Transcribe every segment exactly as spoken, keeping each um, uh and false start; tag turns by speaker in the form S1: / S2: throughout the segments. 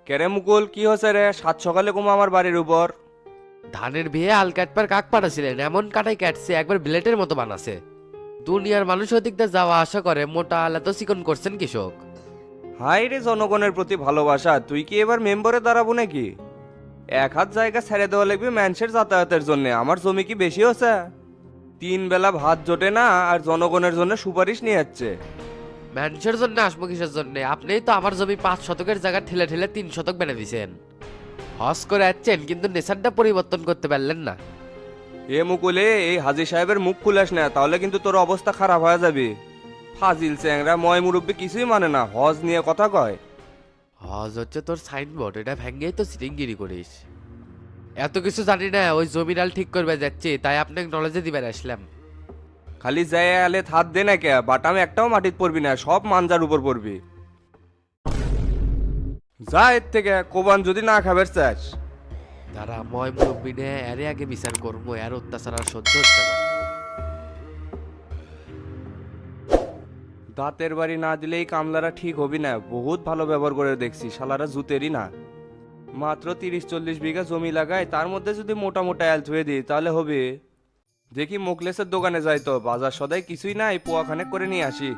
S1: কেরে মুকুল, কি হচ্ছে রে? সাত সকালে কুমা আমার বাড়ির উপর।
S2: ধানের বিয়ে হাল কাটবার কাক পাঠাছিলেন, এমন কাটাই কাটছে একবার ব্লেটের মতো বানাছে। দুনিয়ার মানুষ ওদিকটা যাওয়া আশা করে, মোটা আল এত চিকন করছেন কৃষক।
S1: হাই রে, জনগণের প্রতি ভালোবাসা, তুই কি এবার মেম্বারে দাঁড়াবো নাকি? এক হাত জায়গা ছেড়ে দেওয়া লাগবে মানুষের যাতায়াতের জন্য। আমার জমি কি বেশি হচ্ছে? তিন বেলা ভাত জোটে না, আর জনগণের জন্য সুপারিশ নিয়ে যাচ্ছে।
S2: মানুষের জন্য আসবো কিসের জন্য? আপনিই তো আমার জমি পাঁচ শতকের জায়গা ঠেলে ঠেলে তিন শতক বেড়ে দিছেন। হস করে যাচ্ছেন কিন্তু নেশারটা পরিবর্তন করতে পারলেন না।
S1: এ মুকুলে, এই হাজি সাহেবের মুখ খুলাস না, তাহলে কিন্তু তোর অবস্থা খারাপ হয়ে যাবে। ফাজিল চ্যাংরা ময় মুরব্বী কিছুই মানে না, হজ নিয়ে কথা কয়।
S2: হজ হচ্ছে তোর সাইনবোর্ড, এটা ভেঙ্গেই তো সিটিংগিরি করিস। এত কিছু জানি না, ওই জমিরাল ঠিক করবে যাচ্ছি, তাই আপনাকে নলেজে দিবার আসলাম।
S1: খালি যায় আলে হাত দে না কে, বাটাম একটাও মাটিত পড়বি না, সব মানজার উপর পড়বি। যা এর থেকে, কোবান যদি না খাবার চাস।
S2: তারা ময় মুরব্বী নে এর আগে বিচার করবো, এর অত্যাচার আর সহ্য হচ্ছে না।
S1: দাঁতের বাড়ি না দিলেই কামলারা ঠিক হবি না, বহুত ভালো ব্যবহার করে দেখছি, শালারা জুতেরই না। মাত্র তিরিশ চল্লিশ বিঘা জমি লাগায়, তার মধ্যে যদি মোটা মোটা অ্যাল থুয়ে দিই তাহলে হবে। দেখি মোকলেসের দোকানে যাই তো, বাজার সদাই কিছুই নাই, পোয়াখানে করে নিয়ে আসি।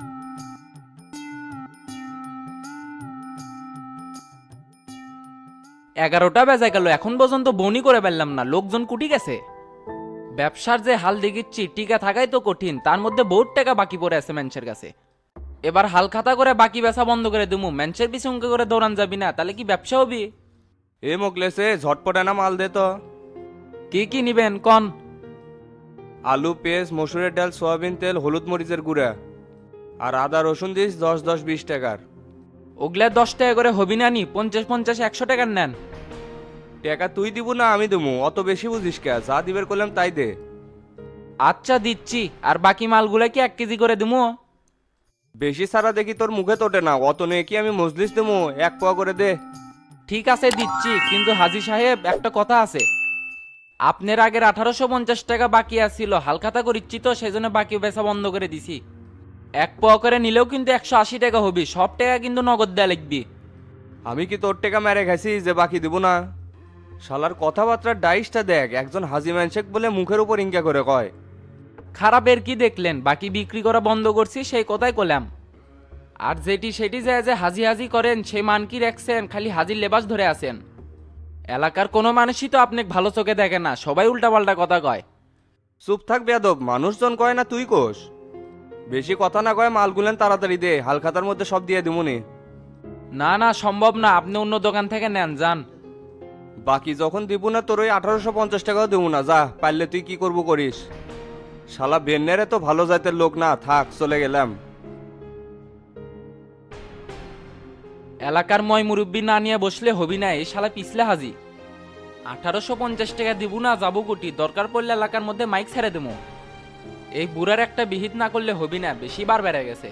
S3: এগারোটা বেজে গেল, এখন পর্যন্ত বনি করে পারলাম না, লোকজন কুটি গেছে। ব্যবসার যে হাল দেখিচ্ছি, টিকা থাকাই তো কঠিন, তার মধ্যে বহুত টাকা বাকি পড়ে আছে মানুষের কাছে। এবার হাল খাতা করে বাকি বেচা বন্ধ করে দেবো, মানুষের পিছনে অঙ্ক করে দৌড়ান যাবি না, তাহলে কি ব্যবসা হবি?
S1: এ মোকলেসে ঝটপটে না মাল দে তো।
S3: কি কি নিবেন কন?
S1: আলু, পেঁয়াজ, মসুরের ডাল, সয়াবিন তেল, হলুদ মরিচের গুঁড়া, আর আদা রসুন দিস দশ দশ বিশ টাকার।
S3: ওগুলা দশ টাকা করে হবি না নি? পঞ্চাশ পঞ্চাশ একশো টাকার নেন।
S1: টাকা তুই দিব না আমি দেবো? অত বেশি বুঝিস কে? যা দিবের করলাম তাই দে।
S3: আচ্ছা দিচ্ছি, আর বাকি মালগুলা কি এক কেজি করে দিমু?
S1: বেশি সারা দেখি তোর মুখে তোটে না, অত নিয়ে কি আমি মজলিস দেবো? এক পোয়া করে দে।
S3: ঠিক আছে দিচ্ছি, কিন্তু হাজি সাহেব একটা কথা আছে। আপনার আগের আঠারোশো পঞ্চাশ টাকা বাকি আছিল, হালখাতা করিচ্ছি তো সেই জন্য বাকি বেচা বন্ধ করে দিছি। এক পোয়া করে নিলেও কিন্তু একশো আশি টাকা হবি, সব টাকা কিন্তু নগদ দেয়া লিখবি।
S1: আমি কি তোর টাকা মেরে খাইছি যে বাকি দিব না? শালার কথাবার্তার ডাইসটা দেখ, একজন হাজি ম্যানশেক বলে মুখের উপর ইঙ্কা করে কয়।
S3: খারাপের কি দেখলেন? বাকি বিক্রি করা বন্ধ করছি সেই কথাই কলাম। আর যেটি সেটি যায় যে হাজি হাজি করেন, সেই মান কি রাখছেন? খালি হাজির লেবাস ধরে আছেন। এলাকার কোনো মানুষই তো আপনাকে ভালো চোখে দেখে না, সবাই উল্টাপাল্টা কথা কয়।
S1: চুপ থাক বেয়াদব, মানুষজন কয় না তুই কোষ? বেশি কথা না কয় মালগুলেন তাড়াতাড়ি দে, হালখাতার মধ্যে সব দিয়ে দিমুনি।
S3: না না সম্ভব না, আপনি অন্য দোকান থেকে নেন যান।
S1: বাকি যখন দিব না তোর ওই আঠারোশো পঞ্চাশ টাকাও দেবো না, যা পারলে তুই কি করবো করিস। শালা বেন্নেরে তো ভালো জাতের লোক না, থাক চলে গেলাম।
S3: এলাকার ময় মুরব্বী না নিয়ে বসলে হবি না, এই শালা পিছলে হাজি। আঠারোশো পঞ্চাশ টাকা দিব না, যাবো কোটি, দরকার পড়লে এলাকার মধ্যে মাইক ছেড়ে দেবো। এই বুড়ার একটা বিহিত না করলে হবি না, বেশি বার বেড়ে গেছে।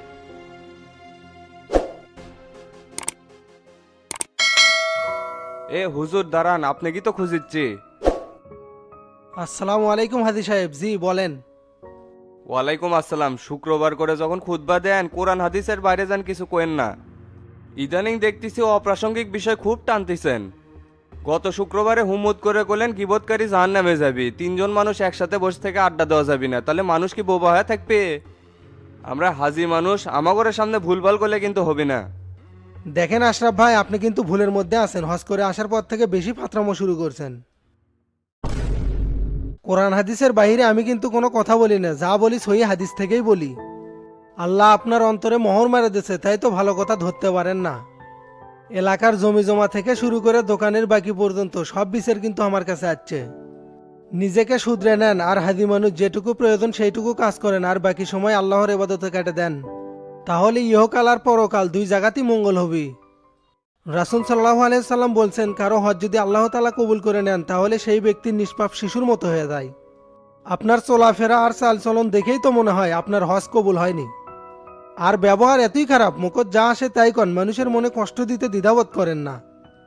S1: এ হুজুর দাঁড়ান, আপনি কি তো খুঁজিচ্ছি?
S4: আসসালামু আলাইকুম হাজি সাহেব, জি বলেন।
S1: ওয়ালাইকুম আসসালাম। শুক্রবার করে যখন খুতবা দেন, কোরআন হাদিসের বাইরে যান কিছু কোয়েন না। ইদানিং দেখতেছি অপ্রাসঙ্গিক বিষয় খুব টানতেছেন। গত শুক্রবারে হুমুদ করে করলেন গিবতকারী জাহান নামে যাবি, তিনজন মানুষ একসাথে বসে থেকে আড্ডা দেওয়া যাবি না, তাহলে মানুষ কি বোবা হয়ে থাকবে? আমরা হাজি মানুষ, আমাগরের সামনে ভুলভাল করলে কিন্তু হবে না।
S4: দেখেন আশরাফ ভাই, আপনি কিন্তু ভুলের মধ্যে আছেন। হজ করে আসার পর থেকে বেশি ফাতরামো শুরু করছেন। কোরআন হাদিসের বাইরে আমি কিন্তু কোনো কথা বলি না, যা বলি সহি হাদিস থেকেই বলি। আল্লাহ আপনার অন্তরে মোহর মেরে দিয়েছে, তাই তো ভালো কথা ধরতে পারেন না। এলাকার জমি জমা থেকে শুরু করে দোকানের বাকি পর্যন্ত সব বিচার কিন্তু আমার কাছে আসছে। নিজেকে শুধরে নেন, আর হাদি মানুষ যেটুকু প্রয়োজন সেইটুকু কাজ করেন, আর বাকি সময় আল্লাহর ইবাদতে কেটে দেন, তাহলে ইহকাল আর পরকাল দুই জায়গাতেই মঙ্গল হবে। রাসূল সাল্লাল্লাহু আলাইহি সাল্লাম বলছেন, কারো হজ যদি আল্লাহ তাআলা কবুল করে নেন তাহলে সেই ব্যক্তি নিষ্পাপ শিশুর মতো হয়ে যায়। আপনার চলাফেরা আর চালচলন দেখেই তো মনে হয় আপনার হজ কবুল হয়নি। আর ব্যবহার এতই খারাপ, মুখত যা আসে তাই কন, মানুষের মনে কষ্ট দিতে দ্বিধাবোধ করেন না।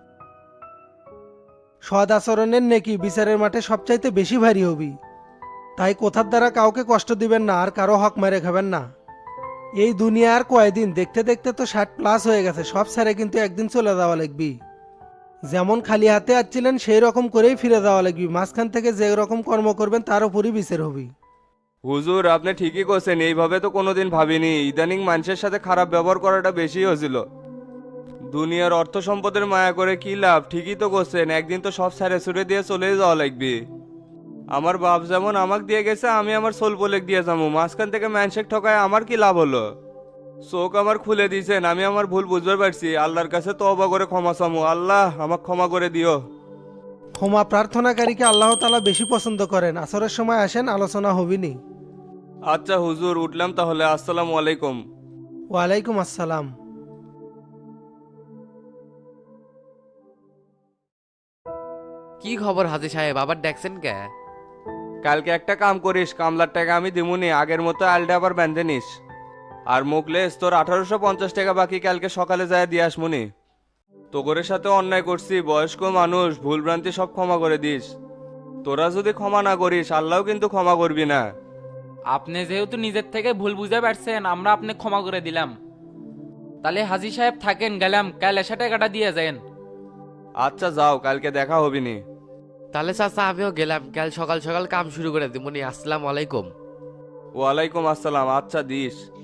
S4: সৎ আচরণের নেকি বিচারের মাঠে সবচাইতে বেশি ভারী হবি, তাই কথার দ্বারা কাউকে কষ্ট দিবেন না, আর কারো হক মেরে খাবেন না। এই দুনিয়া আর কয়দিন, দেখতে দেখতে তো ষাট প্লাস হয়ে গেছে, সব ছেড়ে কিন্তু একদিন চলে যাওয়া লাগবি। যেমন খালি হাতে আসছিলেন সেই রকম করেই ফিরে যাওয়া লাগবে, মাঝখান থেকে যে রকম কর্ম করবেন তার উপরই বিচার হবে।
S1: হুজুর আপনি ঠিকই করছেন, এইভাবে তো কোনোদিন ভাবিনি। ইদানিং মানুষের সাথে খারাপ ব্যবহার করাটা বেশি হয়েছিল। দুনিয়ার অর্থ সম্পদের মায়া করে কি লাভ? ঠিকই তো করছেন, একদিন তো সব ছেড়ে ছুড়ে দিয়ে চলে যাওয়া লাগবে। আমার বাপ যেমন আমাকে দিয়ে গেছে, আমি আমার সোল পোলেক দিয়ে যাবো। মাঝখান থেকে ম্যানশেক ঠকায় আমার কি লাভ হলো? চোখ আমার খুলে দিয়েছেন, আমি আমার ভুল বুঝতে পারছি। আল্লাহর কাছে তওবা করে ক্ষমা চামু, আল্লাহ আমাকে ক্ষমা করে দিও।
S4: ক্ষমা প্রার্থনাকারীকে আল্লাহ তাআলা বেশি পছন্দ করেন। আসরের সময় আসেন, আলোচনা হবিনি।
S1: আচ্ছা হুজুর, উঠলাম তাহলে। আসসালামু আলাইকুম।
S4: ওয়ালাইকুম আসসালাম।
S2: কি খবর হাজি সাহেব, আবার দেখছেন কে?
S1: কালকে একটা কাম করিস, কামলার টাকা আমি দিমুনি, আগের মতো আলটা আবার বেঁধে নিস। আর মুখলেস তোর আঠারোশো পঞ্চাশ টাকা বাকি, কালকে সকালে যায় দিয়ে আসমুনি। তোগরের সাথে অন্যায় করছি, বয়স্ক মানুষ, ভুলভ্রান্তি সব ক্ষমা করে দিস। তোরা যদি ক্ষমা না করিস, আল্লাহও কিন্তু ক্ষমা করবি না।
S3: আপনি যেহেতু নিজের থেকে ভুল বুঝে পারছেন, আমরা আপনি ক্ষমা করে দিলাম। তাহলে হাজি সাহেব থাকেন, গেলাম, কাল এসে টাকাটা দিয়ে যান।
S1: আচ্ছা যাও, কালকে দেখা হবিনি।
S2: তাহলে চাচা আমিও গেলাম, কাল সকাল সকাল কাম শুরু করে দিমনি। আসসালামু আলাইকুম।
S1: ওয়ালাইকুম আসসালাম। আচ্ছা দিস।